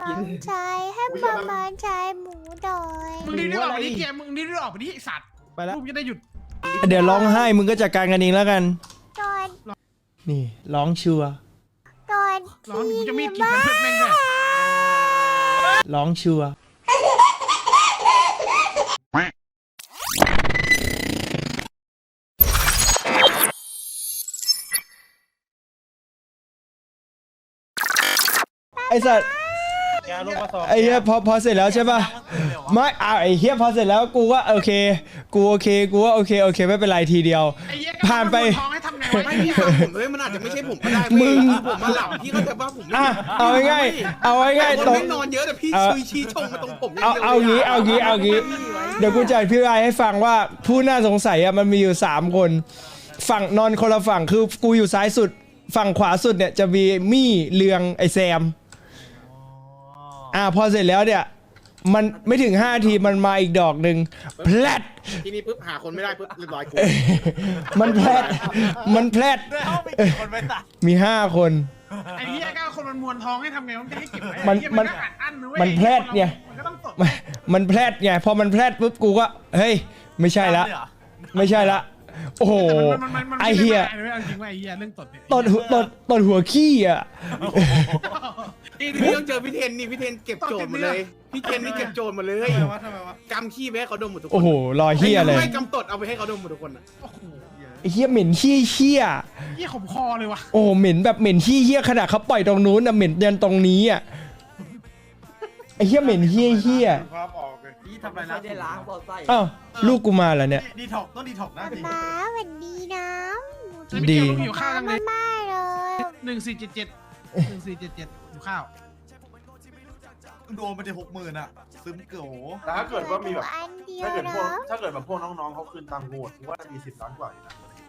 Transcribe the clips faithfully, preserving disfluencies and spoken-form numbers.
กินชายให้ประมาณชายหมูดอยมึงรีบออกไปดิเกียร์มึงรีบออกไปดิไอ้สัตว์ไปแล้วลูกจะได้หยุดเดี๋ยวร้องไห้มึงก็จัดการกันเองแล้วกันตอนนี่ร้องชัวร์ตอนร้องกูจะมีดกินเพื่อนแม่งด้วยร้องชัวร์ไอ้สัตว์ไอ้เหี้ยพอพอเสร็จแล้วใช่ป่ะไม่อ่ะไอ้เหี้ยพอเสร็จแล้วกูว่าโอเคกูโอเคกูว่าโอเคโอเคไม่เป็นไรทีเดียวไอ้เหี้ยผ่านไปท้องให้ทำไงวะไม่ไอ้พี่เหี้ยฟังผมเลยมันอาจจะไม่ใช่ผมก็ได้มึงผมมาหลับพี่ก็จะว่าผมไม่อ่ะเอาง่ายๆเอาง่ายๆผมตรงไม่นอนเยอะแต่พี่เอ่อชี้ชี้ชงมาตรงผมเอาเอางี้เอางี้เอางี้เดี๋ยวกูจะอธิบายให้ฟังว่าผู้น่าสงสัยอะมันมีอยู่สามคนฝั่งนอนคนละฝั่งคือกูอยู่ซ้ายสุดฝั่งขวาสุดเนี่ยจะมีมี่เลืองไอแซมอ่าพอเสร็จแล้วเนี่ยมันไม่ถึงห้าทีมันมาอีกดอกหนึ่งแพลดทีนี้ปุ๊บหาคนไม่ได้ปุ๊บเรียบร้อยกูมันแพลดมันแพลดมีห้าคนไอ้เหี้ยก็คนมันมวนท้องให้ทำไงมันจะให้เก็บไว้มันไอ้เหี้ยมันก็อัดอั้นนะเว้ยมันแพลดไงมันก็ต้องตกมันมันแพลดไงพอมันแพลดปุ๊บกูก็เฮ้ยไม่ใช่ละไม่ใช่ละโอ้โหแต่มันมันมันมันไอเฮียไม่ได้เอาจริงว่าไอ้เหี้ยเรื่องตดเนี่ยตดหัวตดตดหัวขี้อ่ะนี่พี่ต้องเจอพี่เทนนี่พี่เทนเก็บโจทย์หมดเลยพี่เทนนี่เก็บโจทย์หมดเลยกำขี้ไปให้เขาดมหมดทุกคนโอ้โหรอเฮียเลยไม่กำตดเอาไปให้เขาดมหมดทุกคนอะโอ้โหไอ้เฮียเหม็นขี้เฮียเหี้ยขมคอเลยว่ะโอ้โหเหม็นแบบเหม็นขี้เฮียขนาดเขาปล่อยตรงนู้นนะเหม็นยันตรงนี้อ่ะไอ้เฮียเหม็นเฮียเฮียความออกเลยนี่ทำอะไรนะไม่ได้ล้างบอลไส้อ้าวลูกกูมาแล้วเนี่ยดีถอกต้องดีถอกนะจริงป้าสวัสดีนะแล้วพี่เกียร์มึงอยู่ข้าวจังเลยมาเลยหนึ่งสี่เจ็ดเจ็ดหนึ่งสี่เจ็ดเจ็ดอยู่ข้าวโดนไปจะหกหมื่นอ่ะซึมเก๋อแต่ถ้าเกิดว่ามีแบบอันเดียวถ้าเกิดพวกนะถ้าเกิดแบบพวกน้องๆเขาคืนตังค์กูอะกูว่ามีสิบล้านกว่าอยู่นะ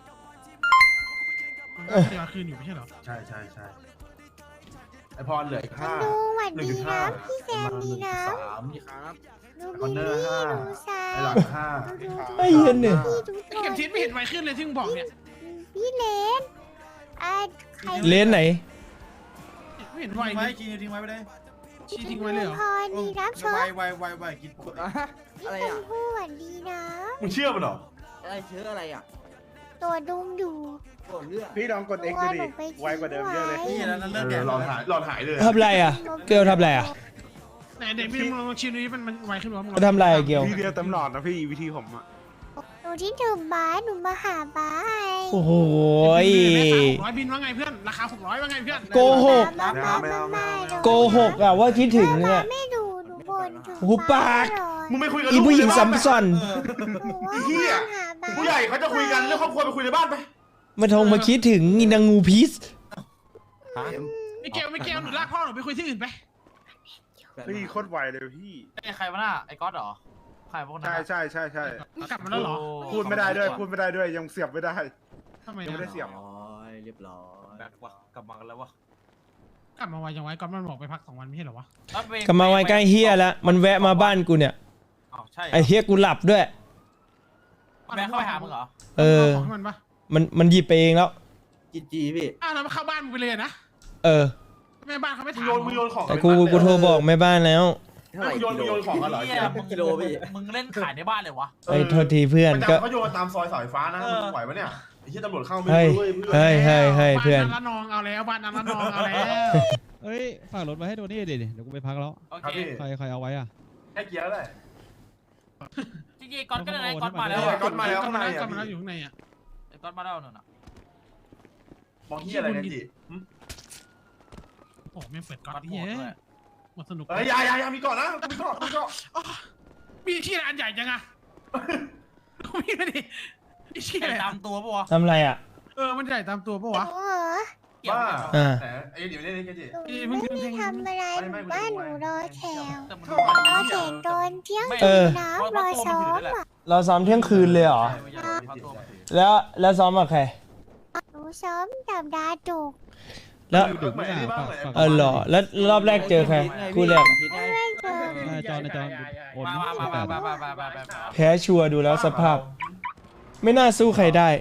มันก็เสียคืนอยู่ไม่ใช่เหรอใช่ใช่ใช่ไอพรเหลืออีกห้าดูสวัสหนึ่งดีจุดห้านะพี่แซมดีนะสามครับดูคอนบิเนลอร์ลี่ห้าดูซาไอหลังห้าไอ้เหี้ยเนี่ยพี่ดูไอ้เข็มทิศไม่เห็นไวขึ้นเลยที่มึงบอกเนี่ยพี่เลนอ่ะใครเลนไหนไม่เห็นไวทิ้งเลไว้ยกินทิ้งไว้ไปเลยชี้ทิ้งไว้เลยเหรอพรดีรับชไวมไวไวไวกินอะไรพี่ชอ่ะมพู่สวัสดีนะมึงเชื่อมันเหรออะไรเชื้ออะไรอ่ะตัวดุงดูปวดเลือดพี่ลองกด X ดูดิไวกว่าเดิมเยอะเลยนี่แล้วนั่นเอเลิกอแดดหลอดหายหลอดหายเลยทำไรอ่ะเกลทำไรอ่ะไหนเด็กพี่มึงลองชิมดูดิมันมันไวขึ้นหรือว่ามึงเขาทำไรอะเกลวิธีเดียวเต็มหลอดนะพี่วิธีผมอ่ะหนูที่ถึงบ้านหนูมาหาบ้านโอ้โหร้อยบินว่าไงเพื่อนราคาหกร้อยว่าไงเพื่อนโกหกมามามามาโกหกอ่ะว่าคิดถึงมาเนี่ยไม่ดูหนูบ่นถึงหูปากมึงไม่คุยกับอีลูกผู้หญิงในบ้าสันมไปซอนไอ้เหี้ย ผู้ใหญ่เขาจะคุยกันเรื่องครอบครัวไปคุยในบ้านไปมาทงมาคิดถึงอีนางงูพิษไม่เกลไม่เกลหนูลากพ่อหนูไปคุยที่อื่นไปพี่โคตรไวเลยพี่ไอ้ใครวะน่ะไอ้ก๊อตเหรอใครพวกนั้นใช่ใช่ใช่ใช่กลับมาแล้วเหรอพูดไม่ได้ด้วยพูดไม่ได้ด้วยยังเสียบไม่ได้ทำไมยังไม่ได้อะเสียบร้อยเรียบร้อยแบกว่ะกลับมากันแล้ววะกลับมาไวยังไงก่อนมันบอกไปพักสองวันไม่ใช่เหรอวะกลับมาไว้ใกล้เฮียแล้วมันแวะมาบ้านกูเนี่ยอ้าวใช่ไอเฮียกูหลับด้วยแม่เข้าไปหามึงเหรอเออของให้มันปะมันมันหยิบไปเองแล้วจีจีพี่อ้าวแล้วมันเข้าบ้านมึงไปเลยนะเออแม่บ้านเขาไม่มึงถามโยนมึงโยนของแต่กูกูโทรบอกแม่บ้านแล้วเท่าไหร่มึงโยนมึงโยนของกันเหรอเหี้ยมึงกิโลพี่มึงเล่นขายในบ้านเลยวะไอ้โทษทีเพื่อนประก็จำเขาโยนตามซอยสายฟ้านะมึงไหวปะเนี่ยไอ้เหี้ยตำรวจเข้าไม่เฮ้ยรู้เว้ยเพื่อนเฮ้ยเฮ้ยเฮ้ยเพื่อนบ้านนั้นละนองเอาแล้วบ้านนั้นละนองเอาแล้วเฮ้ยฝากรถมาให้โดนี่ดิเดี๋ยวกูไปพักแล้วโอครับเคพี่ใครใครเอาไว้อ่ะแค่เกียร์เลยจริงๆก๊อตก็ได้ก๊อตมาแล้วเออก๊อตมาแล้วกลับมาแล้วข้างในอะกลับมาแล้วอยู่ข้างในอ่ะไอ้ก๊อตมาแล้วนั่นน่ะมองเหี้ยอะไรเนี่ยจีหึโอ้ไม่เปิดก๊อตก๊อตโหเฮ้ดยด้วยหมดสนุกเฮ้ยอยาอยาอยามีก่อนนะมีก่อนมีก่อนมีที่อันใหญ่จังอะมีไม่ดิมีที่อะไรตามตัวปะวะทำไรอ่ะเออมันใหญ่ตามตัวปะวะโอ้โหเกี่ยวบ้าเกี่ยวอ่าแต่ไอ้เดี๋ยวนี้นี่แกจีหนูไม่ได้ทำอะไรหนูบ้านหนูรอแขกแต่มึงรอแขกตอนเที่ยงเออน้ำรอซ้อมอ่ะเราซ้อมเที่ยงคืนเลยเหรอเข้าตัวมาสิแล้วแล้วซ้อมกับใครหนูซ้อมกับดาจุกแล้วดึกไม่ได้บ้างเลยเออเหรอแล้วรอบแรกเจอใครคู่แรกทิศไงไม่เจอหน้าจอหน้าจอโอนมามาแปมาดมามามามามาแพ้ชัวร์ดูแล้วสภาพ ไม่น่าสู้ใครได้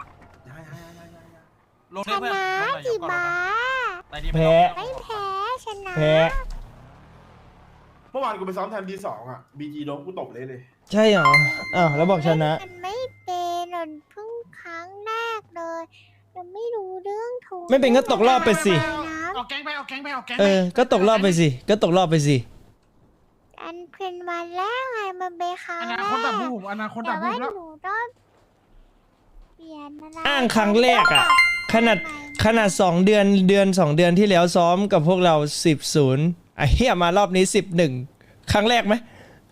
ลงชได้เพื่อนนะลงหน่อยจีเดี๋ยวก่อนบ้าแต่นี่แพ้ไม่แพ้ชนะแพ้มื่อวานกูไปซ้อมแทนทีสองอ่ะบีจีโดนกูตบเลยเลยใช่เหรออ้าวแล้วบอกชนะมันไม่เป็นหล่นเพิ่งครั้งแรกเลยเราไม่รู้เรื่องถูกไม่เป็นก็ตกรอบไปสิออกแก๊งไปออกแก๊งไปออกแก๊งเออ ก็ตกรอบไปสิ ก็ตกรอบไปสิอันเป็นวันแรกไงมันเป็นครั้งอแรกนาคตดับบูบอนาคตแต่ดับบูว่าบแล้วหนูต้องเปลี่ยนอะไรอ้างครั้งแรกอะขนาดขนาดสองเดือนเดือนสองเดือนที่แล้วซ้อมกับพวกเราสิบศูนย์ไอ้เหี้ยมารอบนี้สิบหนึ่งครั้งแรกไหม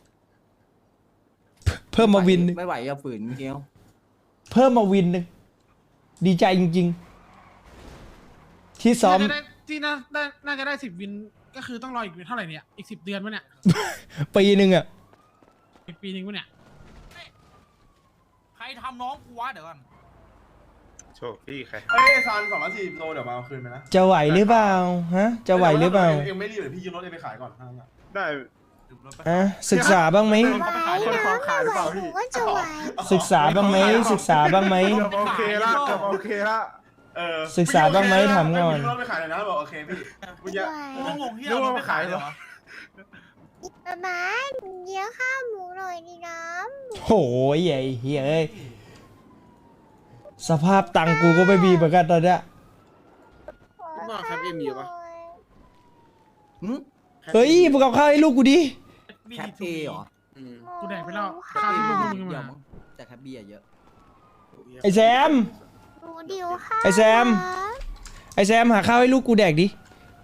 เพิ่มมาวินหนึ่งไม่ไหวอย่าฝืนเกี้ยวเพิ่มมาวินหนึ่งดีใจจริงๆ ที่ซ้อมน่าจะได้ที่น่าได้น่าจะได้สิบวินก็คือต้องรออีกเท่าไหร่เนี่ยอีกสิบเดือนวะเนี่ยปีหนึ่งอะอีกปีนึงวะเนี่ยใครทำน้องกูวะเดี๋ยวก่อนโชคพี่ใครเอ้ยซานสองร้อยสี่สิบโลเดี๋ยวมาเอาคืนไปนะจะไหวหรือเปล่าฮะจะไหวหรือเปล่าเองไม่รีบเดี๋ยวพี่ยืมรถเองไปขายก่อนทั้งนั้นอะได้อะศึกษาบ้างไหมไหวนะไม่ไหวหนูก็จะไหวศึกษาบ้างไหมศึกษาบ้างไหมโอเคละโอเคละเออศึกษาบ้างไหมถามก่อนยืมรถไปขายหน่อยนะบอกโอเคพี่มึงอย่ากูก็งงที่เอารถไปขายเหรอประมาณเยอะข้าวหมูหน่อยดีน้โหยไอ้เฮ้ยเอ้ยสภาพตังค์กูก็ไม่มีเหมือนกันตอนเนี้ยำว่าครับเอ็มอยู่ปะหึเฮ้ยมึงเอาข้าวให้ลูกกูดิแคปเอเหรออืมกูแดกไปแล้วข้าวที่ลูกมึงเยมาอะมั้งแต่แคปเบียร์เยอะไอแซมหนูดิวข้าวไอ้แซม ไอแซมหาข้าวให้ลูกกูแดกดิ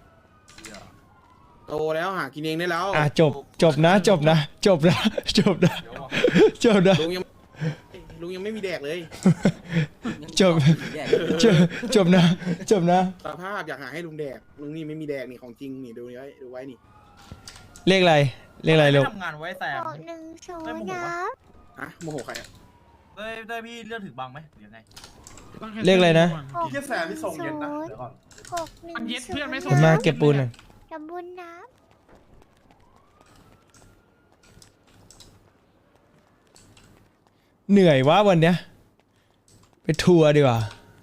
โตแล้วหากินเองได้แล้วอ่ะจบจบนะจบนะ จบนะจบนะจบนะลุงยังลุงยังไม่มีแดกเลยจบจบจบนะจบนะสภาพอยากหาให้ลุงแดกลุงนี่ไม่มีแดกนี่ของจริงนี่ดูไว้ดูไว้นี่เลขอะไรเลขอะไรลูกทำงานไว้แซมบอกหนึ่งศูนไม่ย์โมโหนะวะอะโมโหใครอะได้ได้พี่เลือกถึงบังไหมหรือยังไงเลขอะไรนะพี่แค่แซมที่ทรงเย็นนะเดี๋ยวก่อนหกหนึ่งมันเย็ดเพื่อนไม่สผมมาเก็บปูนหน่อยกระบุญน้เหนื่อยวะวันเนี้ยไปทัวร์ดีกว่า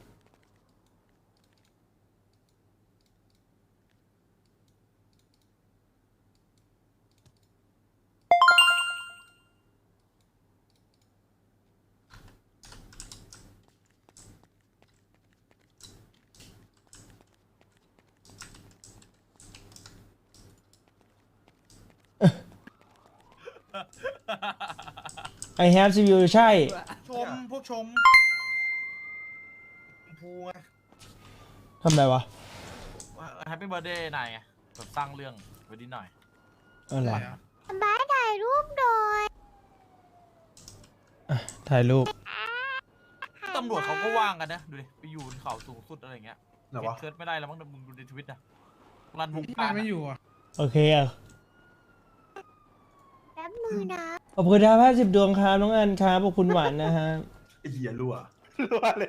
I have C P U ใช่ชมพวกชมพูไงทำไรวะแฮปปี้เบิร์ดเดย์นายไงแบบสร้างเรื่องไว้นิดหน่อยอะไรำบ้าถ่ายรูปโดยถ่ายรูปตำรวจเขาก็ว่างกันนะดูดิไปอยู่บนเขาสูงสุดอะไรเงี้ยไหนเก็วะบเชิดไม่ได้แล้วมั้งมึงดูในทวิตนะรันวงที่การไม่อยู่อ่ะโอเคอ่ะแป๊บมือนะขอบคุณดาวห้าสิบดวงครับน้องอันครับขอบคุณหวานนะฮะไอ้เหี้ยรั่วรั่วเลย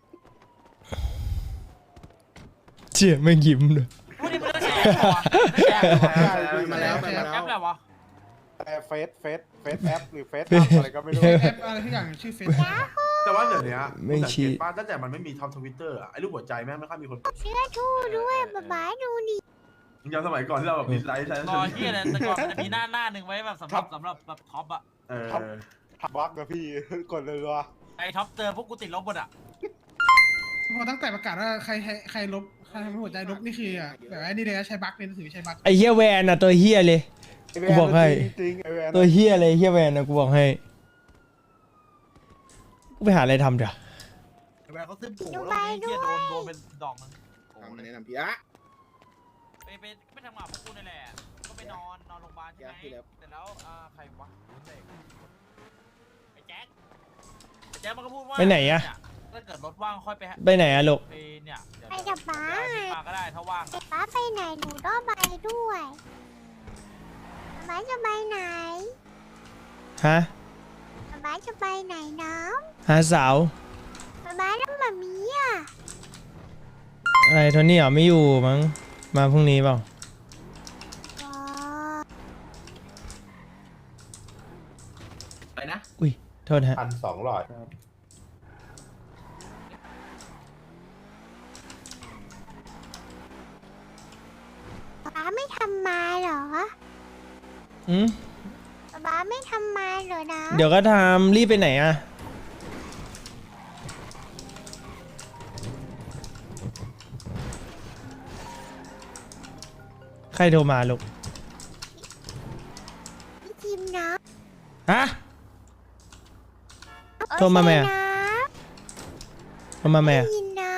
เจี๊ยแม่งยิ้มเลยพูดดิมึงจะแชร์เหรอไม่แชร์เหรอมาแล้วมาแอแล้วปอะไรวะเฟสเฟสเฟสแอปหรือเฟสอะไรก็ไม่รู้แอปอะไรที่อย่างชื่อเฟซแต่ว่าเดี๋ยวนี้ไม่สังชี้เกตป้าตั้งแต่มันไม่มีท็อปทวิตเตอร์อะไอ้รูปหัวใจแม่งไม่ค่อยมีคนกดเสื้อทู่ด้วยบ้าบ้าดูดิมึงจำสมัยก่อนที่เราแบบดิสไลค์ใช่ไหมรอที่อะไรแต่ก่อนมันจะมีหน้าหน้าหนึ่งไว้แบบสำหรับสำหรับแบบท็อปอะเออทับบักนะพี่ กดเลยว่ะไอ้ท็อปเจอพวกกูติดลบหมดอะพอตั้งแต่ประกาศว่าใครใครใครลบใครทำให้หัวใจลบนี่คืออ่ะแบบไอ้นี่เลยนะใช้บั๊กเลยถือใช้บั๊กไอเฮียแวนอ่ะตัวเฮียเลย กูบอกให้จริงไอแวนตัวเฮียเลยเฮียแวนนะกูบอกให้กูไปหาอะไรทำเดี๋ยวไอ้แวนเขาซื้อปูแล้วไอ้เหี้ยโดนโดนเป็นดอกนึงโอ้ทำโหมาแนะนำพี่อะไปไปไปทำงานพวกกูนี่แหละก็ไปนอนนอนโรงพยาบาลใช่ไหมแต่แล้วอ่าใครวะไอ้แจ็คไอ้แจ็คมันก็พูดว่าไปไหนอะถ้าเกิดรถว่างค่อยไปฮะไปไหนอะลูกไปเนี่ยเดี๋ยวไปกับป้ามาก็ได้ถ้าว่างป้าไปไหนหนูต้องไปด้วยป้าจะไปไหนฮะป้าจะไปไหนน้หาสาวำป้าแล้วมามีอ่ะอะไรโทนี่เหรอไม่อยู่มั้งมาพรุ่งนี้เปล่าอ๋อไปนะอุ้ยโทษฮะพันสองร้อยป้าไม่ทำมาเหรออืมป๊าป๊าไม่ทำมาเหรอนะเดี๋ยวก็ทำรีบไปไหนอะใครโทรมาลูกพี่จิมนะฮะเอ้ยโทรมาไหมอะใช่นะโทรมาแม่ได้ยินนะ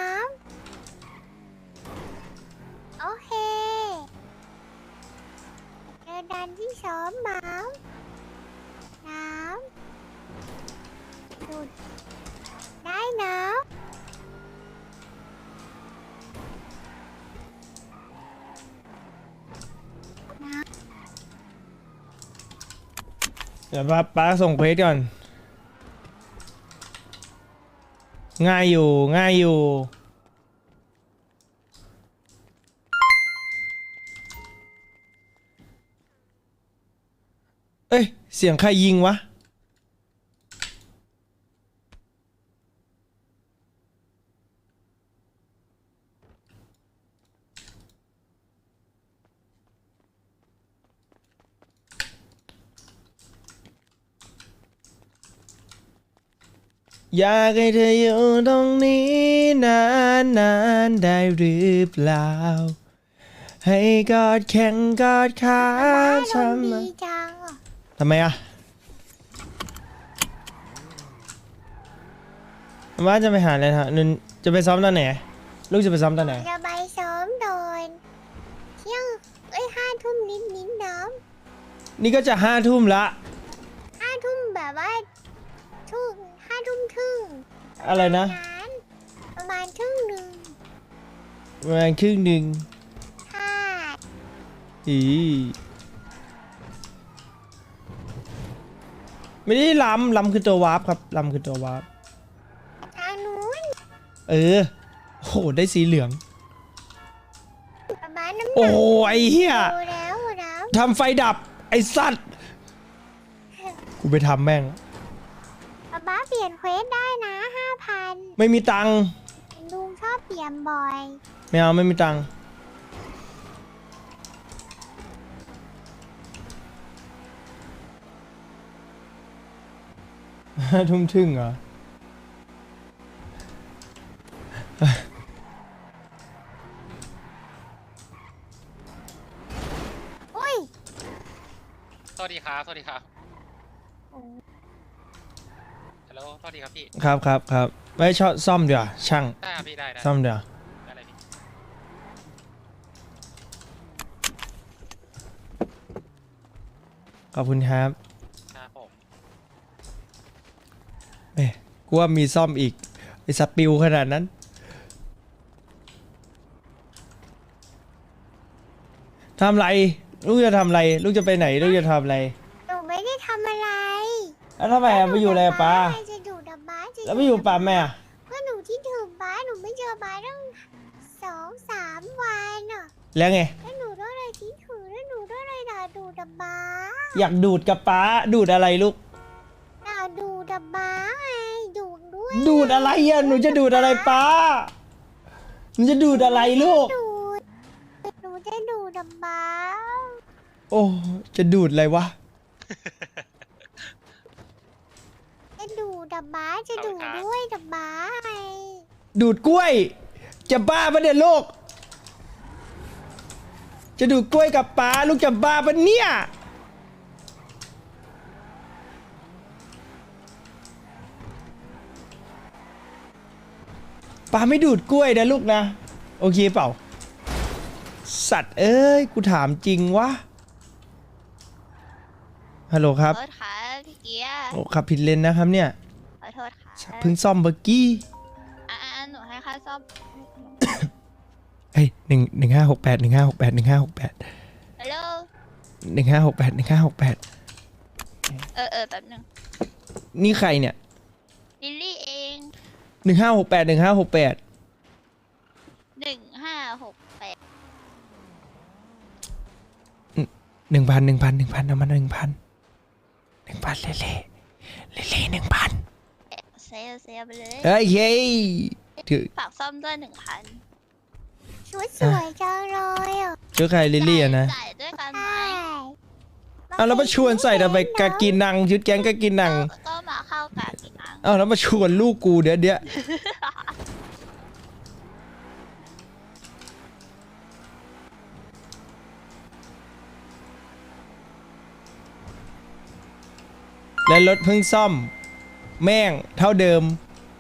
โอเคเจอดันที่สองหมาน้ำดูดได้นะเดี๋ยวป้าป้าส่งเควสก่อน ง่ายอยู่ง่ายอยู่ เอ้ย เสียงใครยิงวะ อยากให้เธออยู่ตรงนี้นานนานๆได้หรือเปล่า ให้กอดแข็งกอดขาป๊าทเราำไมดีจังอะทำไมอะว่าจะไปหาอะไรฮะนึนจะไปซ้อมตอนไหน ลูกจะไปซ้อมตอนไหนจะไปซ้อมโดนเที่ยงเอ้ยห้าทุ่มนิดนิดๆน้นี่ก็จะห้าทุ่มละำห้าทุ่มแบบว่าทุ่มห้าทุ่มครึ่งอะไรนะนั้นประมาณครึ่งหนึ่งประมาณครึ่งหนึ่งค่ะอีไม่ได้ล้ำล้ำคือตัววาร์ปครับล้ำคือตัววาร์ปทางนู้นเออโหได้สีเหลืองประมาณน้ำหนักโอ้ไอ้เหี้ยดูแล้วนะทำไฟดับ ไอ้สัตว์ กูไปทำแม่งป๊าป๊าเปลี่ยนเควสได้นะห้าพันไม่มีตังค์ลุงชอบเปลี่ยนบ่อยไม่เอาไม่มีตังค์ห้าทุ่มครึ่งเหรออุ้ยสวัสดีครับ สวัสดีครับฮัลโหลสวัสดีครับพี่ครับครับครับไว้ชอบซ่อมเดี๋ยวาช่างได้ครับพี่ได้ได้ซ่อมเดี๋ยวาได้เลยพี่ขอบคุณครับครับผมเอ้ยกูว่ามีซ่อมอีก ไอ้สปิวขนาดนั้น ทำไร ลูกจะทำไร ลูกจะไปไหน ลูกจะทำอะไรหนูไม่ได้ทำอะไรแล้วทำไมอะไปอยู่อะไรกับป้าจะดูดับบ้าจะแล้วไปอยู่ป้าแม่อะก็หนูที่ถึงบ้านหนูไม่เจอบ้านตั้งสองสามวันอ่ะแล้วไงแล้วหนูต้องอะไรที่ถือแล้วหนูต้องอะไรด่าดูดับบ้าอยากดูดกับป้า ดูดอะไรลูกด่าดูดับบ้าไงดูดด้วยดูดอะไรอะหนูจะดูดอะไรป้า หนูจะดูดอะไรลูกดูดหนูจะดูดับบ้าโอ้ จะดูดอะไรวะจะดูดับบ้าจะดูด้วยดับบ้าไงดูดกล้วย จะบ้าปะเนี่ยลูก จะดูดกล้วยกับป้าลูกจะบ้าปะเนี่ยป้าไม่ดูดกล้วยนะลูกนะ โอเคเปล่า สัตว์เอ้ย กูถามจริงวะ ฮัลโหลครับขอโทษค่ะพี่เกียร์โอ้ขับผิดเลนนะครับเนี่ยขอโทษค่ะเพิ่งซ่อมเบอร์กี้อ่าหนูให้ค่าซ่อมเฮ้ยหนึ่งหนึ่งห้าหกแปดหนึ่งห้าหกแปดหนึ่งห้าหกแปดฮัลโหลหนึ่งห้าหกแปดหนึ่งห้าหกแปดเออเออแป๊บนึงนี่ใครเนี่ยลิลลี่เองหนึ่งห้าหกแปดหนึ่งห้าหกแปดหนึ่งห้าหกแปดหนึ่งพันหนึ่งพันหนึ่งพันเอามาหนึ่งพันหนึ่งพันเล่เล่เล่เล่หนึ่งพันเซลเซลไปเลยเฮ้ยเฮ้ยถือฝากซ่อมด้วยหนึ่งพันชุดสวยจังเลยอ่ะเจ้าใครลิลลี่อะนะจ่ายด้วยกันไหมอ้าวแล้วมาชวนใส่ทำไมกากินังชุดแก๊งกากินังก็มาเข้ากากินังอ้าวแล้วมาชวนลูกกูเดี๋ยวเดี๋ยวและรถเพิ่งซ่อม แม่งเท่าเดิม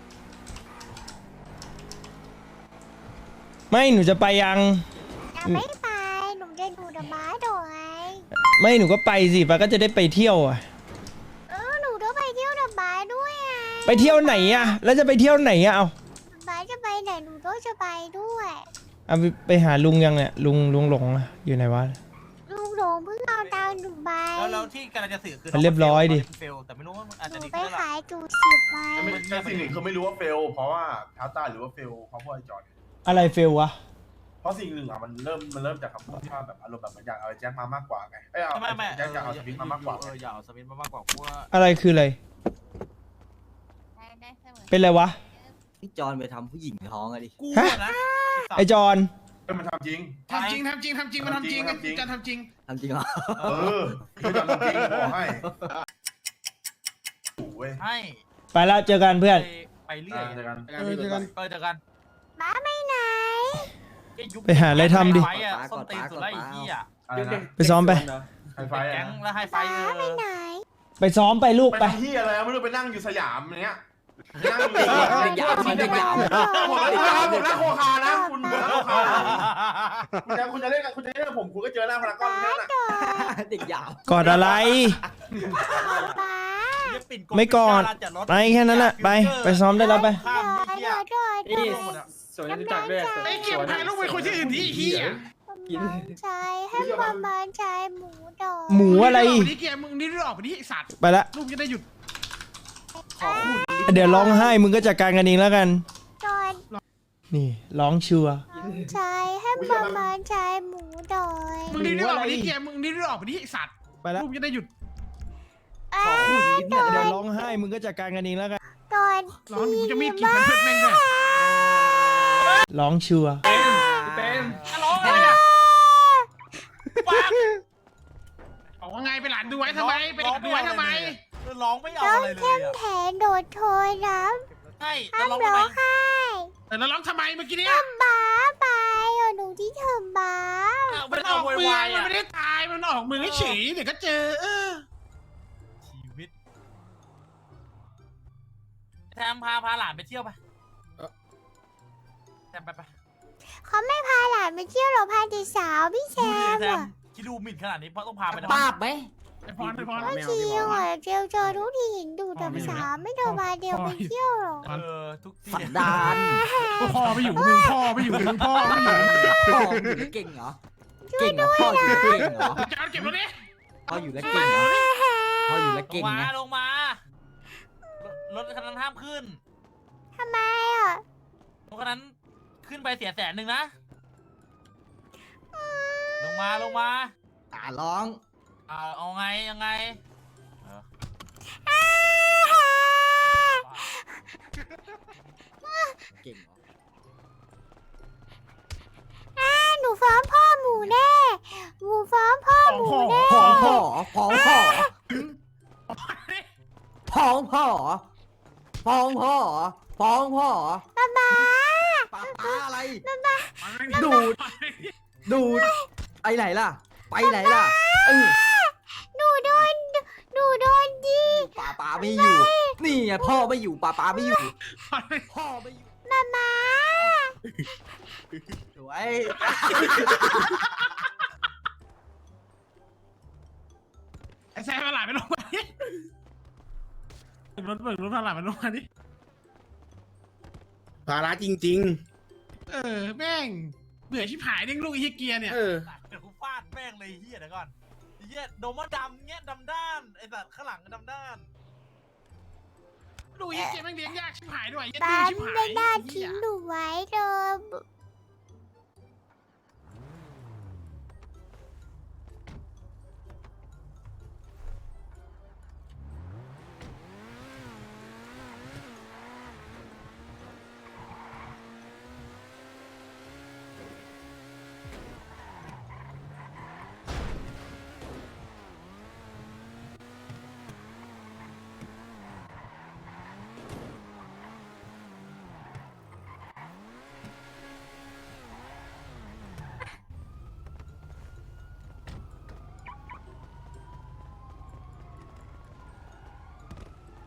ไม่หนูจะไปยังยังไม่ไปหนูจะดูดอกไม้ดอกไงไม่หนูก็ไปสิปาก็จะได้ไปเที่ยวอ่ะเออหนูต้องไปเที่ยวดอกไม้ด้วยไงไปเที่ยวไหนอ่ะ แล้วจะไปเที่ยวไหนอ่ะเอาดอกไม้จะไปไหนหนูต้องจะไปด้วยเอาไปไปหาลุงยังเนี่ยลุงลุงหลงอะอยู่ไหนวะลูกหลงเพิ่งเอาตังค์หนูไปแล้วแล้วที่กำลังจะสื่อคือมันเรียบร้อยดิเฟลแต่ไม่รู้ว่ามันอาจหจะนูดีไปขึ้นแล้วล่ะขายจูสิบไว้ไม่ใช่สิ่งหนึ่งคือไม่รู้ว่าเฟล เพราะว่าท้าตาหรือว่าเฟลเพราะพวกไอจอนอะไรเฟลวะเพราะสิ่งหนึ่งอ่ะมันเริ่มมันเริ่มจากคำพูดที่ว่าแบบอารมณ์แบบมันอยากเอาไอ้แจ็คมามากกว่าไงเอ้ยเอาไม่ไม่แจ็คอยากเอาสวิตมามากกว่าเอออยากเอาสวิตมามากกว่าเพราะว่าอะไรคืออะไร เป็นอะไรวะพี่จอนไปทำผู้หญิงท้องอะดิกูฮะอะนะไอจอนเอ้ยมันทำจริงทำจริงทำจริงทำจริงมันทำจริงทำจริงจะทำจริงทำจริงเหรอเออไม่ทำจริงบอกให้โอ้ยให้ไปแล้วเจอกันเพื่อนไปไปเรื่อยเจอกันเออเจอกันเออเจอกันบ้าไปไหนเอ้ยยุคไปหาอะไรทำดิไฟอะส้นตีนสุดไล่ไอ้เหี้ยอะไรนะไปซ้อมไปไฮไฟแก๊อ่ะงแล้วให้ไฟเอบ้าไปอไหนไปซ้อมไปลูกไปไปทำที่อะไรไม่รู้ไปนั่งอยู่สยามเนี้ยนั่งอยู่เด็กหยามเด็กหยามผมนั่งผมนั่งโคคานะคุณผมนั่งโคคาคุณจะคุณจะเล่นกับคุณจะเล่นกับผมคุณก็เจอหน้าพารากอนแค่นั้นเด็กหยามกอดอะไรบ้าไม่กอด ไปแค่นั้นแหละไปไปซ้อมได้แล้วไปข้ามไอ้เดี๋เหี้ยยวเดี๋ยวเดี๋ยวสวนจตุจักรด้วยไอ้เก็บพายลูกไปคุยที่อื่นที่เฮียใจให้ประมาณใจหมูดอกหมูอะไรวันนี้เกมมึงนี่ออกไปนี่ไอสัตว์ไปละลูกจะได้หยุดเดี๋ยวร้องไห้มึงก็จัดการกันเองแล้วกันจอนนี่ร้องชัวร์ใจให้ประมาณใจหมูดอยมึงนี่ออกไปนี่เกมมึงนี่ออกไปนี่ไอสัตว์ไปละลูกจะได้หยุดอ้าเดี๋ยวร้องไห้มึงก็จัดการกันเองแล้วกันตอนร้อนกูจะมีดกินเพื่อนแม่งเลยร้องชัวร์เป็นฮัลโหลอะไรอะฟังบอกว่าไงไปหลานดูไว้ทำไมไปหลานดูไว้ทำไมเออร้องไม่เอาต้องอะไรเลยเข้มอะแข็งโดดโทยน้ใช่ำแล้วห้ามร้องร้ทำองไมไห้แต่แล้วร้องทำไมเมื่อกี้เนี่ยบ้าไปอ่ะหนูที่เธอบ้าอ้าวมัมัน นอเอาอกโวมือยวายมันอะไม่ได้ตายมันออกมือเฉยเดี๋ยวก็เจอเออชีวิตแซมพาพาหลานไปเที่ยวไปแซมไปไปเขาไม่พาหลานไปเที่ยวหรอกพาเด็กสาวพี่แซดูดิมแซมอ่ะคิดดูหมิ่นขนาดนี้เพราะต้องพาไปนะป้าบไหมไอพรไอพรก็เที่ยวอ่ะเจลเจอทุกทีเห็นดูแต่สาวไม่เดินมาเดียวไปเที่ยวหรอกเออทุกที่สันดานพ่อไม่อยู่มึงพ่อไม่อยู่มึงพ่อไม่อยู่พ่ออยู่แล้วเก่งเหรอ เก่งเหรอพ่ออยู่แล้วเก่งเหรอจานเก็บรถดิพ่ออยู่แล้วเก่งเหรอพ่ออยู่แล้วลเก่งงมานะลงมารถคันนั้นห้ามขึ้นทำไมอ่ะรถคันนั้นขึ้นไปเสียแสนหนึ่งนะลงมาลงมาตาร้องอ่าเอาไงยังไงเออเก่งเหรออ่าหนูฟ้องพ่อหมูแน่หนูฟ้องพ่อหมูแน่พ้องพ่อพ้องพ่อพ้องพ่อพ้องพ่อพ้องพ่อป๊าป๊าป้าป้าอะไรดูดูด ดูดไปไหนล่ะ ไปไหนล่ะเออหนูโดนหนูโดนดีป้าป้าไม่อยู่ นี่ไงพ่อไม่อยู่ป้าป้าไม่อยู่ พ่อไม่อยู่ป๊าป๊าสวยไอแซมมาหลานไปลงมาดิรถเบิกรถพาหลานไปลงมาดิภาระจริงเออแม่งเบื่อชิบหายเด้งลูกไอ้เฮียเกียร์เนี่ยๆ เออเดี๋ยวกูฟาดแม่งเลยไอ้เฮียเดี๋ยวก่อนไอ้เฮียโดมว่าดำเงี้ยดำด้านไอ้สัตว์ข้างหลังก็ดำด้านลูกไอ้เฮียเกียร์แม่งเลี้ยงยากชิบหายด้วยเหี้ยป๊าดื้อชิบหายไม่น่าไอ้เหี้ทิ้ยงหนูไว้เลย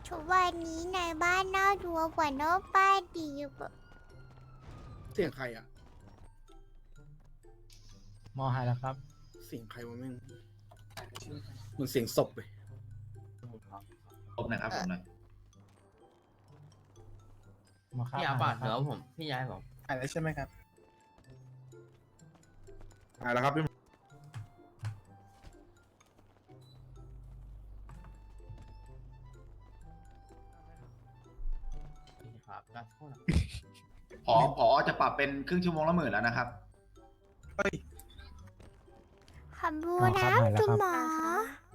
ทุกวันนี้ในบ้านน่าดูกว่านอกบ้านดีกว่าเสียงใครอ่ะมอหายแล้วครับเสียงใครวะแม่งเหมือนเสียงศพเลยผมนะครับผมนะมาครับพี่อาบัตเดี๋ยวผมพี่ย้ายผมหายแล้วใช่ไหมครับหายแล้วครับพี่ครับการโทษนะพอพอจะปรับเป็นครึ่งชั่วโมงละหมื่นแล้วนะครับขอบคุณนะคุณหมอ